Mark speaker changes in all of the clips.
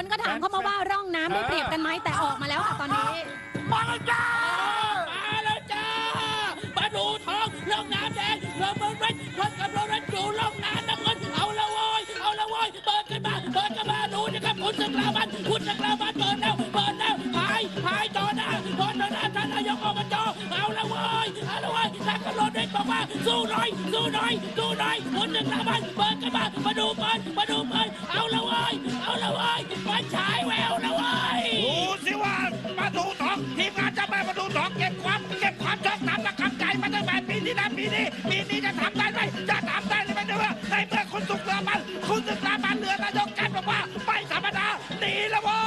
Speaker 1: คนก็ถามเข้ามาว่าร่องน้ำได้เปรียบกันไหมแต่ออกมาแล้วค่ะตอนนี้
Speaker 2: มาแล้วจ้ามาดูทองร่องน้ำแดงร่องเมืองเพชรคนกับโรนันอยู่ร่องน้ำน้ำเงินเอาละโว้ยเปิดกันมาดูนะครับคุณศึกลามันเปิดแล้วหายต่อหน้าท่านนายกอบจเอาละโว้ยนักกระโดดเด็กบอกว่าสู้หน่อยคุณศึกลามันเปิดกันมาดูเปิดเอาละโว้ยมันฉายแววละโว้ยดูสิว่ามาดูทองทีมงานจะมาดูทองเก็บความชอบน้ำและกำใจมาตั้งแต่ปีที่แล้วปีนี้จะทำได้ไหมจะทำได้หรือไม่ด้วยในเมื่อคุณศึกลามันเรือนายกกันบอกว่าไม่ธรรมดาหนีละโว้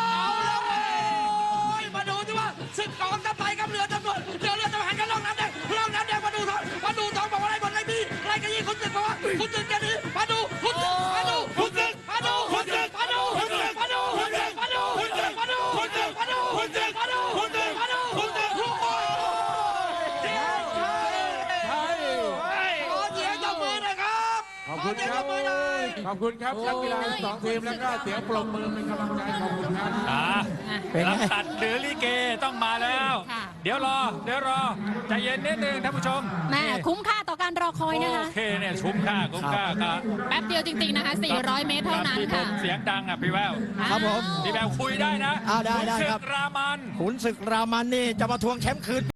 Speaker 2: ยมาดูสิว่าศึกกองทัพไทยกับเรือตำรวจเรือทหารกันล่องน้ำแดงมาดูทองบอกว่าอะไรบนไรพี่ไรกันยี่คุณศึกบอกว่าคุณศึกจะหนีมาดูคุณศึก
Speaker 3: ขอบคุณครับนักกีฬาทั้งสองทีมแล้วก็เสียงปรบมือเป็นกำลังใจขอบคุณครับ
Speaker 4: ลำตัดหรือลิเกต้องมาแล้วเดี๋ยวรอใจเย็นนิดนึงท่านผู้ชม
Speaker 1: แม่คุ้มค่าต่อการรอคอยนะคะ
Speaker 4: โอเคเนี่ยคุ้มค่าครับ
Speaker 1: แป๊บเดียวจริงๆนะคะ400 เมตรเท่านั้นค่ะ
Speaker 4: เสียงดังอ่ะพี่แวว
Speaker 5: ครับผม
Speaker 4: พี่แววคุยได้นะ
Speaker 5: ได้ครับ
Speaker 4: ขุนศึกรามัน
Speaker 5: นี่จะมาทวงแชมป์คืน